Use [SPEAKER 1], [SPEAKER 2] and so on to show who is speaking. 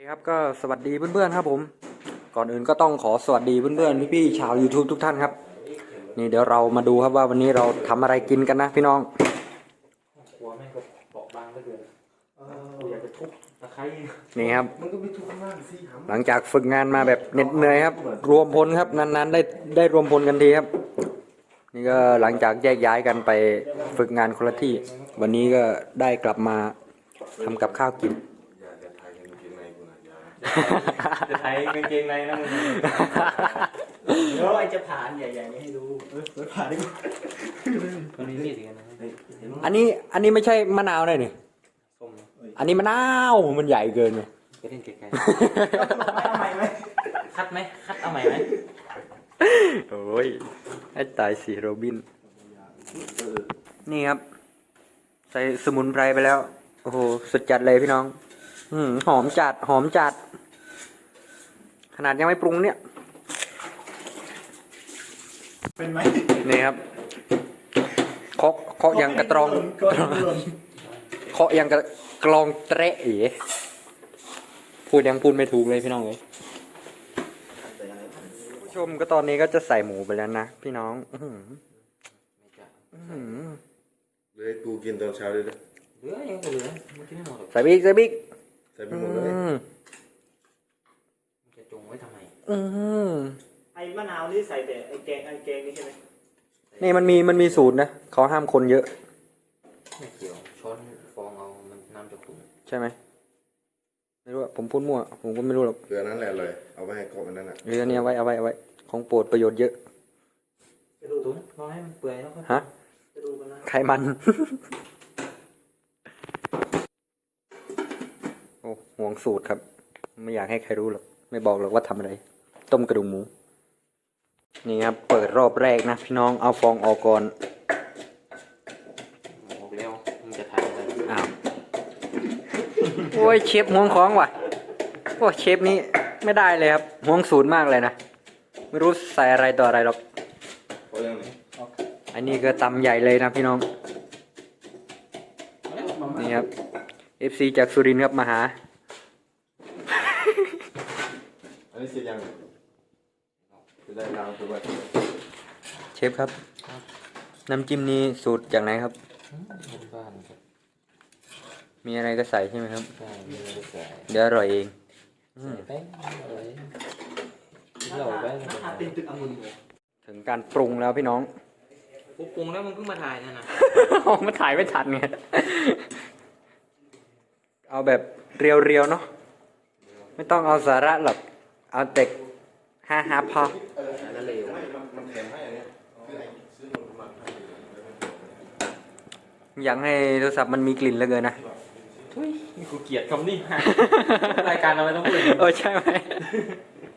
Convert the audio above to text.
[SPEAKER 1] ครับก็สวัสดีเพื่อนๆครับผมก่อนอื่นก็ต้องขอสวัสดีเพื่อนๆพี่ๆชาว YouTube ทุกท่านครับนี่เดี๋ยวเรามาดูครับว่าวันนี้เราทำอะไรกินกันนะพี่น้อง
[SPEAKER 2] หัวแม่งก็เปราะบางเหลือเกินอยากจะทุบตะไคร้
[SPEAKER 1] นี่ครับ
[SPEAKER 3] มันก็ไม่ทุกข้างล่างสิครับ
[SPEAKER 1] หลังจากฝึกงานมาแบบเหน็ดเหนื่อยครับรวมพลครับนานๆได้รวมพลกันทีครับนี่ก็หลังจากแยกย้ายกันไปฝึกงานคนละที่วันนี้ก็ได้กลับมาทำกับข้าวกิน
[SPEAKER 2] จะไทยกางเกงในนะมึงเดี๋ยวไอ้จะผ่านใหญ่ๆให้ดูผ่านดิตัวนี้มีดกันนะ
[SPEAKER 1] อันนี้ไม่ใช่มะนาวเลยนี่
[SPEAKER 2] ส้ม
[SPEAKER 1] อันนี้มะนาวมันใหญ่เกินเลย
[SPEAKER 2] ไปเล่นไกลๆเอาใหม่ไหมคัดไหมคัดเอาใหม่ไหม
[SPEAKER 1] โอ้ยให้ตายสิโรบินนี่ครับใส่สมุนไพรไปแล้วโอ้โหสุดจัดเลยพี่น้องหอมจัดขนาดยังไม่ปรุงเนี่ย
[SPEAKER 3] เป็นไหม
[SPEAKER 1] นี่ครับเคาะยังกระตรองเคาะยังกลองเตะอีพูดไม่ถูกเลยพี่น้องเลยผู้ชมก็ตอนนี้ก็จะใส่หมูไปแล้วนะพี่น้อง
[SPEAKER 3] เลยกูกินตอนเช้าเลยนะ
[SPEAKER 2] เหลือยังเหลือมันกินไม่หมดหรอก
[SPEAKER 1] ใส่บิ๊ก
[SPEAKER 3] ใส่ไปหมดเลย
[SPEAKER 2] จะจงไว้ทำไม
[SPEAKER 4] ไอ้มะนาวนี่ใส่แต่ไอ้แกงนี่ใช่ไหม
[SPEAKER 1] นี่มันมีสูตรนะเขาห้ามคนเยอะ
[SPEAKER 2] ไม่เกี่ยวช้อนฟองเอามันน้ำจะขุ่น
[SPEAKER 1] ใช่ไหมไม่รู้อะผมพูดมั่วผมก็ไม่รู้หรอก
[SPEAKER 3] เกลือนั้นแหละเลยเอาไปให้กบมันนั่นแหละ
[SPEAKER 1] เรื่องนี้เอาไว้ของโปรดประโยชน์เยอะ
[SPEAKER 2] ตุ๋นรอให้มันเปื่อยแล้วก็
[SPEAKER 1] ฮะไขมัน โอ้ห่วงสูตรครับไม่อยากให้ใครรู้หรอกไม่บอกหรอกว่าทำอะไรต้มกระดูกหมูนี่ครับเปิดรอบแรกนะพี่น้องเอาฟองออกก่อน
[SPEAKER 2] บอกแล้วมึงจะทายอะไร
[SPEAKER 1] อ้าวโอ้ยเชฟห่วงของว่ะโอ้เชฟนี้ไม่ได้เลยครับห่วงสูตรมากเลยนะไม่รู้ใส่อะไรต่ออะไรหรอกอันนี้ก็ตำใหญ่เลยนะพี่น้องนี่ครับ FC จากสุรินทร์ครับมาหา
[SPEAKER 3] อันนี้เสร็จยังจะได้ล้างตัว
[SPEAKER 1] เชฟครับน้ำจิ้มนี้สูตรจากไหนครับ
[SPEAKER 2] บ้านครับ
[SPEAKER 1] มีอะไรก็ใส่ใช่ไหมครับ
[SPEAKER 2] ใช่มีอะไรใส่
[SPEAKER 1] เดี๋ยวอร่อยเอง
[SPEAKER 2] ใส่แป้งอะไรเราแป้ง
[SPEAKER 4] เป็นตึกองุ่นเลย
[SPEAKER 1] ถึงการปรุงแล้วพี่น้อง
[SPEAKER 2] กูปรุงแล้วมึงเพิ่งมาถ่ายนะ
[SPEAKER 1] มาถ่ายไม่ทันไงเอาแบบเรียวๆเนาะไม่ต้องเอาสาระหรอกเอาเต็กฮาพอ
[SPEAKER 2] แล้วเร็ว
[SPEAKER 3] มันแถมให้อันนี้ซื้อหมดมา
[SPEAKER 1] อยากให้โทรศัพท์มันมีกลิ่นเหลือเกินนะ
[SPEAKER 2] ทุยนี่กูเกลียดคำนี้รายการเราไม่ต้องพูด
[SPEAKER 1] ใช่ไหม